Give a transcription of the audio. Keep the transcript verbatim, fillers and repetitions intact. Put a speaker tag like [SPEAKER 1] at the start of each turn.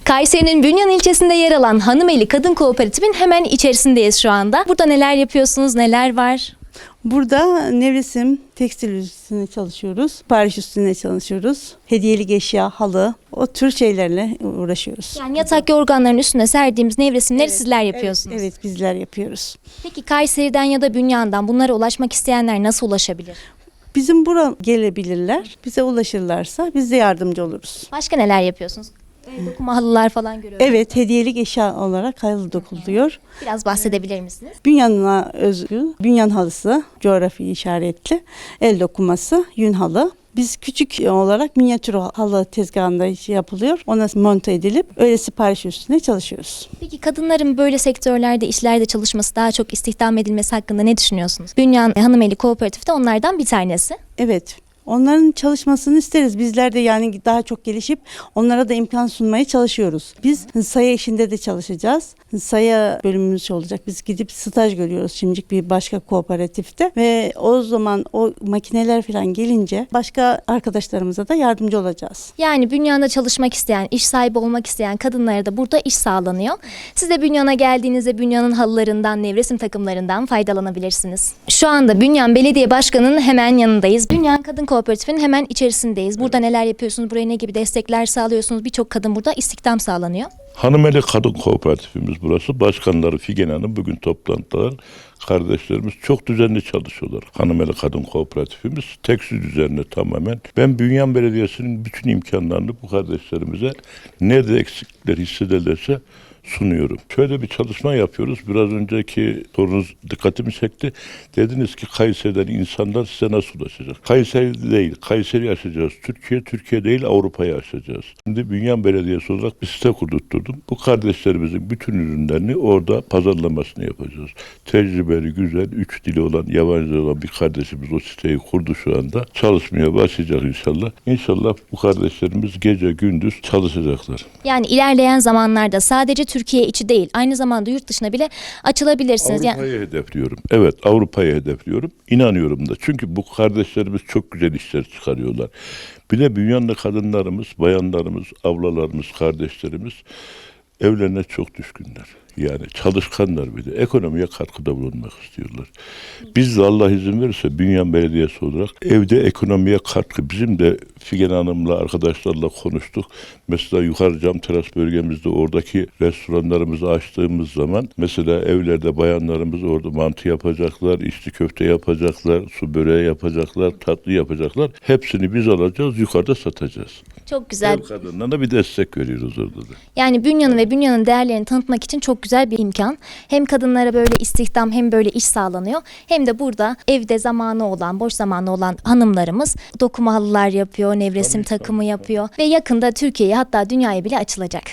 [SPEAKER 1] Kayseri'nin Bünyan ilçesinde yer alan Hanımeli Kadın Kooperatif'in hemen içerisindeyiz şu anda. Burada neler yapıyorsunuz, neler var?
[SPEAKER 2] Burada nevresim, tekstil üstüne çalışıyoruz. Pariş üstüne çalışıyoruz. Hediyelik eşya, halı, o tür şeylerle uğraşıyoruz.
[SPEAKER 1] Yani yatak yorganların üstüne serdiğimiz nevresimleri
[SPEAKER 2] Evet,
[SPEAKER 1] sizler yapıyorsunuz.
[SPEAKER 2] Evet, evet, bizler yapıyoruz.
[SPEAKER 1] Peki Kayseri'den ya da Bünyan'dan bunlara ulaşmak isteyenler nasıl ulaşabilir?
[SPEAKER 2] Bizim buraya gelebilirler. Bize ulaşırlarsa biz de yardımcı oluruz.
[SPEAKER 1] Başka neler yapıyorsunuz? El dokuma halılar falan görüyorum.
[SPEAKER 2] Evet, hediyelik eşya olarak halı dokuluyor.
[SPEAKER 1] Biraz bahsedebilir misiniz?
[SPEAKER 2] Bünyan'a özgü, bünyan halısı, coğrafi işaretli, el dokuması, yün halı. Biz küçük olarak minyatür halı tezgahında şey yapılıyor. Ona monte edilip öyle sipariş üstüne çalışıyoruz.
[SPEAKER 1] Peki kadınların böyle sektörlerde, işlerde çalışması, daha çok istihdam edilmesi hakkında ne düşünüyorsunuz? Bünyan Hanımeli Kooperatif de onlardan bir tanesi.
[SPEAKER 2] Evet. Onların çalışmasını isteriz. Bizler de yani daha çok gelişip onlara da imkan sunmaya çalışıyoruz. Biz saya işinde de çalışacağız. Saya bölümümüz olacak. Biz gidip staj görüyoruz şimdilik bir başka kooperatifte ve o zaman o makineler falan gelince başka arkadaşlarımıza da yardımcı olacağız.
[SPEAKER 1] Yani Bünyan'da çalışmak isteyen, iş sahibi olmak isteyen kadınlara da burada iş sağlanıyor. Siz de Bünyan'a geldiğinizde Bünyan'ın halılarından, nevresim takımlarından faydalanabilirsiniz. Şu anda Bünyan Belediye Başkanı'nın hemen yanındayız. Bünyan Kadın Kooperatif'in hemen içerisindeyiz. Burada neler yapıyorsunuz? Buraya ne gibi destekler sağlıyorsunuz? Birçok kadın burada istihdam sağlanıyor.
[SPEAKER 3] Hanımeli Kadın Kooperatifimiz burası. Başkanları Figen Hanım bugün toplantılar. Kardeşlerimiz çok düzenli çalışıyorlar. Hanımeli Kadın Kooperatifimiz tekstil üzerine tamamen. Ben Bünyan Belediyesi'nin bütün imkanlarını bu kardeşlerimize nerede eksiklikler hissederlerse sunuyorum. Şöyle bir çalışma yapıyoruz. Biraz önceki sorunuz dikkatimi çekti. Dediniz ki Kayseri'den insanlar size nasıl ulaşacak? Kayseri değil, Kayseri'yi aşacağız. Türkiye, Türkiye değil Avrupa'yı aşacağız. Şimdi Bünyan Belediyesi olarak bir site kurdurtturdum. Bu kardeşlerimizin bütün ürünlerini orada pazarlamasını yapacağız. Tecrübeli, güzel, üç dili olan, yabancı olan bir kardeşimiz o siteyi kurdu şu anda. Çalışmaya başlayacak inşallah. İnşallah bu kardeşlerimiz gece gündüz çalışacaklar.
[SPEAKER 1] Yani ilerleyen zamanlarda sadece Türkiye içi değil, aynı zamanda yurt dışına bile açılabilirsiniz.
[SPEAKER 3] Avrupa'yı
[SPEAKER 1] Yani
[SPEAKER 3] hedefliyorum. Evet, Avrupa'yı hedefliyorum. İnanıyorum da. Çünkü bu kardeşlerimiz çok güzel işler çıkarıyorlar. Bir de Bünyanlı kadınlarımız, bayanlarımız, ablalarımız, kardeşlerimiz evlerine çok düşkünler. Yani çalışkanlar bir de ekonomiye katkıda bulunmak istiyorlar. Biz de Allah izin verirse Bünyan Belediyesi olarak evde ekonomiye katkı. Bizim de Figen Hanım'la arkadaşlarla konuştuk. Mesela yukarı cam teras bölgemizde oradaki restoranlarımızı açtığımız zaman mesela evlerde bayanlarımız orada mantı yapacaklar, içli köfte yapacaklar, su böreği yapacaklar, tatlı yapacaklar. Hepsini biz alacağız, yukarıda satacağız.
[SPEAKER 1] çok güzel.
[SPEAKER 3] Ev kadınlarına bir destek veriyoruz orada da.
[SPEAKER 1] Yani Bünyan'ı ve Bünyan'ın değerlerini tanıtmak için çok güzel bir imkan. Hem kadınlara böyle istihdam hem böyle iş sağlanıyor. Hem de burada evde zamanı olan, boş zamanı olan hanımlarımız dokuma halılar yapıyor, nevresim
[SPEAKER 3] Tabii,
[SPEAKER 1] takımı
[SPEAKER 3] tabii,
[SPEAKER 1] yapıyor. Ve yakında Türkiye'ye hatta dünyaya bile açılacak.